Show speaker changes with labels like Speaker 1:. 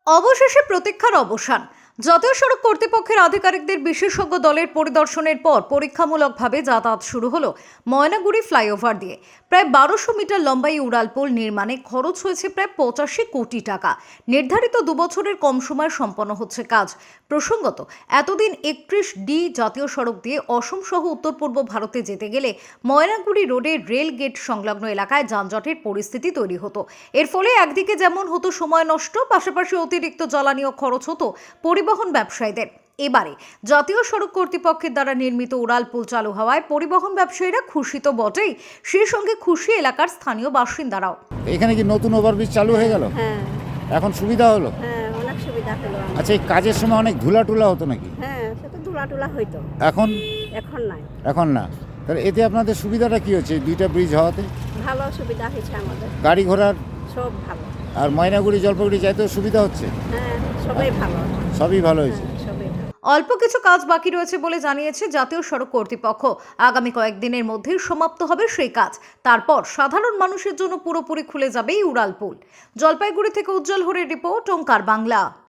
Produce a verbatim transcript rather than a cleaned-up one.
Speaker 1: অবশেষে প্রতীক্ষার অবসান। জাতীয় সড়ক কর্তৃপক্ষের আধিকারিকদের বিশেষজ্ঞ দলের পরিদর্শনের পর পরীক্ষামূলকভাবে যাতায়াত শুরু হলো ময়নাগুড়ি ফ্লাইওভার দিয়ে। প্রায় বারোশো মিটার লম্বা এই উড়ালপুল নির্মাণে খরচ হয়েছে প্রায় পঁচাশি কোটি টাকা। নির্ধারিত দুবছরের কম সময়ে সম্পন্ন হচ্ছে কাজ। প্রসঙ্গত, এতদিন একত্রিশ ডি জাতীয় সড়ক দিয়ে অসম সহ উত্তর পূর্ব ভারতে যেতে গেলে ময়নাগুড়ি রোডে রেল গেট সংলগ্ন এলাকায় যানজটের পরিস্থিতি তৈরি হতো। এর ফলে একদিকে যেমন হতো সময় নষ্ট, পাশাপাশি অতিরিক্ত জ্বালানিও খরচ হতো পরিবহন ব্যবসায়ীদের। এবারে জাতীয় সড়ক কর্তৃপক্ষের দ্বারা নির্মিত উড়ালপুল চালু হওয়ায় পরিবহন ব্যবসায়ীরা খুশি তো বটেই, সেই সঙ্গে খুশি এলাকার স্থানীয় বাসিন্দারাও।
Speaker 2: এখানে কি নতুন ওভারব্রিজ চালু হয়ে গেল?
Speaker 3: হ্যাঁ
Speaker 2: এখন সুবিধা হলো?
Speaker 3: হ্যাঁ অনেক সুবিধা হলো আমার।
Speaker 2: আচ্ছা, এই কাজের সময় অনেক ধুলা টুলা হতো নাকি?
Speaker 3: হ্যাঁ সে তো ধুলা টুলা হইতো,
Speaker 2: এখন
Speaker 3: এখন নাই।
Speaker 2: এখন না। তাহলে এতে আপনাদের সুবিধাটা কি হচ্ছে এই দুইটা ব্রিজ হওয়াতে?
Speaker 3: ভালো সুবিধা হয়েছে আমাদের,
Speaker 2: গাড়ি ঘোড়ার
Speaker 3: সব ভালো।
Speaker 2: আর ময়নাগুড়ি জলপাইগুড়ি যাইতেও সুবিধা হচ্ছে?
Speaker 3: হ্যাঁ সবাই ভালো,
Speaker 2: সবই ভালো হয়েছে।
Speaker 3: হ্যাঁ, সবাই ভালো।
Speaker 1: অল্প কিছু কাজ বাকি রয়েছে বলে জানিয়েছে জাতীয় সড়ক কর্তৃপক্ষ। আগামী কয়েকদিনের মধ্যেই সমাপ্ত হবে সেই কাজ। তারপর সাধারণ মানুষের জন্য পুরোপুরি খুলে যাবে এই উড়ালপুল। জলপাইগুড়ি থেকে উজ্জ্বল হরের রিপোর্ট, ওঙ্কার বাংলা।